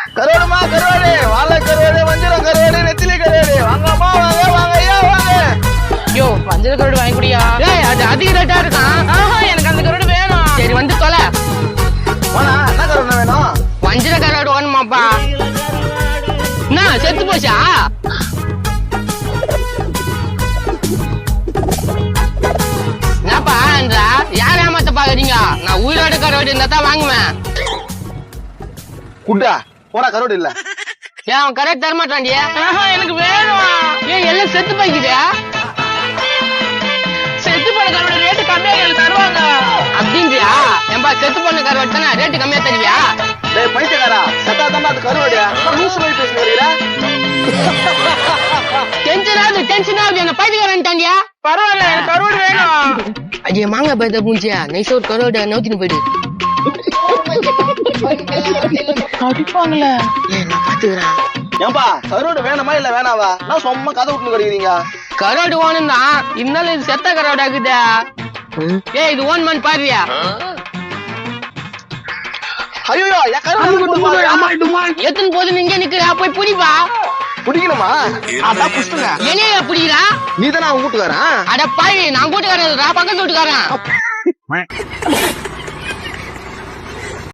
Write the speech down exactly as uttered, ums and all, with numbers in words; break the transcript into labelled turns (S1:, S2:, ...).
S1: கருவாடுமா கருவாடு, வாழை கருவாடு, வஞ்சிரம் கருவாடு, நெத்திலி கருவாடு. வாங்கம்மா வாங்க வாங்க ஐயா வாங்க.
S2: யோ வஞ்சர கருவாடு வாங்கி குடியா. ஏய் அது அதிக ரேட்டா இருக்கான். ஆஹா எனக்கு அந்த கருவாடு வேணும். சரி வந்து தொலை.
S1: போனா என்ன கருவாடு வேணும்?
S2: வஞ்சர கருவாடு வேணுமாப்பா. என்ன செத்து போச்சா? என்னப்பா என்றா யார் ஏமாத்த பாக்குறீங்க? நான் உயிரோட கருவாடு இருந்தா தான் வாங்குவேன்.
S1: குட்டா போடா, கருவாடு இல்ல.
S2: ஏன் அவன் கரெக்ட் தரமாட்டான்டியா? எனக்கு வேணும். ஏன் எல்லாம் செத்து போய்க்குதா? செத்து போன கருவாடு ரேட்டு கம்மியா எனக்கு தருவாங்க அப்படின்றியா? ஏன்பா செத்து போன கருவாடு தானே ரேட்டு கம்மியா தருவியா?
S1: டேய் பைத்தியக்காரா, சத்தா தாண்டா அது கருவாடு. லூசு மாதிரி பேசுறீங்களா?
S2: டென்ஷன் ஆகுது டென்ஷன் ஆகுது. என்ன பைத்தியக்காரன்ட்டான்டியா? பரவாயில்ல எனக்கு கருவாடு வேணும். அஜய் மாங்காய் பைத்த பூஞ்சியா நைசா ஒரு கருவாடு நோத்தின்னு போயிடு. அடிப்பாங்களே. ஏன் நான் பாத்துக்கிறேன்.
S1: ஏன்பா கருவாடு வேணுமா இல்ல வேணாவா? நான் சும்மா கதை விட்டு கிடைக்கிறீங்க.
S2: கருவாடு ஓணும் தான், இருந்தாலும் இது செத்த கருவாடு ஆகுதா? ஏய் இது ஓன் மண் பாருயா.
S1: ஐயோ என் கருவாடு
S2: எத்தனை போது நீங்க நிக்கிறா? போய் புடிப்பா.
S1: பிடிக்கணுமா? அதான் புடிச்சுங்க.
S2: என்னையா புடிக்கிறா?
S1: நீ தானே அவன் வீட்டுக்காரன்.
S2: அட பாய் நான் கூட்டுக்காரன் பக்கத்து வீட்டுக்காரன்.